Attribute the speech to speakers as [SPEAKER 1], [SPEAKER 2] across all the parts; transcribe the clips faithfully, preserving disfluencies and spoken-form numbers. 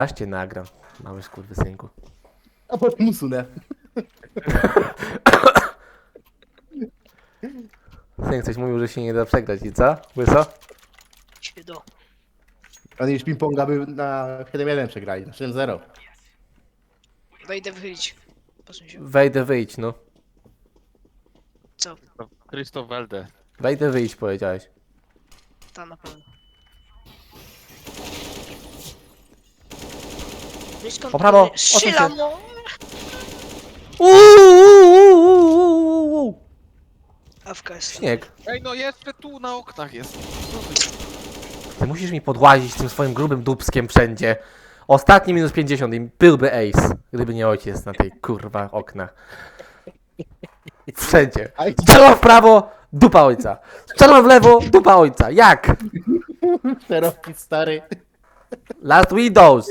[SPEAKER 1] Aż cię nagram, mały skurwysynku.
[SPEAKER 2] A potem usunę.
[SPEAKER 1] Syn coś mówił, że się nie da przegrać i co? Łyso?
[SPEAKER 3] Się do.
[SPEAKER 2] Ale już ping-ponga by na siedem jeden przegrali, na siedem zero.
[SPEAKER 3] Wejdę wychylić. Posuń się.
[SPEAKER 1] Wejdę, wyjdź, no.
[SPEAKER 3] Co?
[SPEAKER 4] Krzysztof Welde.
[SPEAKER 1] Wejdę, wyjdź, powiedziałeś.
[SPEAKER 3] Ta na pewno. Blisko.
[SPEAKER 1] Po prawo,
[SPEAKER 3] Strzelam,
[SPEAKER 1] odsuń
[SPEAKER 3] no!
[SPEAKER 1] Uuuu!
[SPEAKER 3] Awka jest.
[SPEAKER 1] Śnieg.
[SPEAKER 4] Ej, no jeszcze tu na oknach jest. Co ty?
[SPEAKER 1] Ty musisz mi podłazić tym swoim grubym dupskiem wszędzie. Ostatni minus pięćdziesiąt i byłby ace, gdyby nie ojciec na tej kurwa oknach. Wszędzie.
[SPEAKER 2] Aj,
[SPEAKER 1] Strzelam w prawo, dupa ojca. Strzelam w lewo, dupa ojca. Jak?
[SPEAKER 2] szeroki stary.
[SPEAKER 1] Last Windows.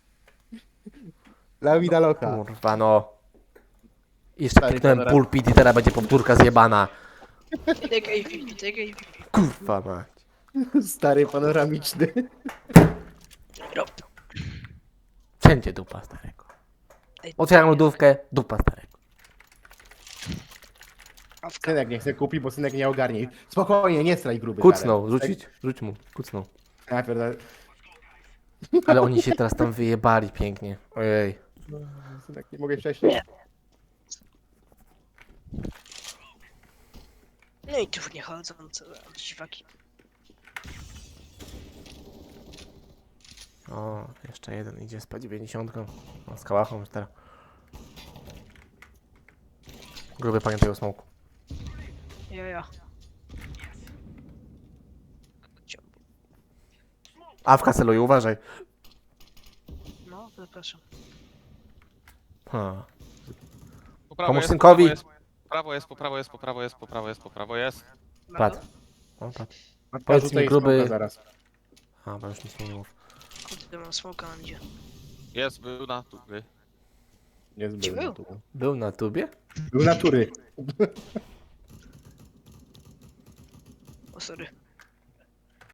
[SPEAKER 2] La vida loca.
[SPEAKER 1] Kurwa no. Jeszcze
[SPEAKER 2] Stary
[SPEAKER 1] kliknąłem
[SPEAKER 2] kamera.
[SPEAKER 1] pulpit i teraz będzie powtórka zjebana.
[SPEAKER 3] Take A P, take A P.
[SPEAKER 1] Kurwa mać.
[SPEAKER 2] Stary panoramiczny.
[SPEAKER 3] Rob.
[SPEAKER 1] Wszędzie dupa starego.
[SPEAKER 3] Ej,
[SPEAKER 1] Otwieram lodówkę, dupa starego.
[SPEAKER 3] Awka.
[SPEAKER 2] Synek nie chce kupić, bo synek nie ogarnie. Spokojnie, nie straj gruby.
[SPEAKER 1] Kucnął,
[SPEAKER 2] Darek.
[SPEAKER 1] rzucić? Rzuć mu, kucnął.
[SPEAKER 2] Ja pierdolę.
[SPEAKER 1] Ale oni się teraz tam wyjebali pięknie. Ojej.
[SPEAKER 2] Synek, nie mogę wcześniej.
[SPEAKER 3] No i tu nie chodzą, co dziwaki.
[SPEAKER 1] O, jeszcze jeden idzie z P dziewięćdziesiąt. O, z kałachą już teraz. Gruby pamiętaj o smoku.
[SPEAKER 3] Ja, ja.
[SPEAKER 1] Awka celuje, uważaj.
[SPEAKER 3] No, zapraszam.
[SPEAKER 1] Ha.
[SPEAKER 4] Po prawo
[SPEAKER 1] Pomóż
[SPEAKER 4] jest,
[SPEAKER 1] synkowi.
[SPEAKER 4] Po prawo jest, po prawo jest, po prawo jest, po prawo jest, po prawo jest.
[SPEAKER 1] Padł. O, padł.
[SPEAKER 2] Matka
[SPEAKER 1] Powiedz
[SPEAKER 2] rzuca
[SPEAKER 1] mi,
[SPEAKER 2] i
[SPEAKER 1] gruby-
[SPEAKER 2] smoka zaraz.
[SPEAKER 1] A, bo już nic nie mów.
[SPEAKER 3] Kurde, mam smoka na mnie.
[SPEAKER 4] Jest, był na tu. By.
[SPEAKER 2] Jest
[SPEAKER 3] Gdzie
[SPEAKER 2] był
[SPEAKER 3] był?
[SPEAKER 2] na tu.
[SPEAKER 1] Był na tubie?
[SPEAKER 2] Był natury.
[SPEAKER 3] O, sorry.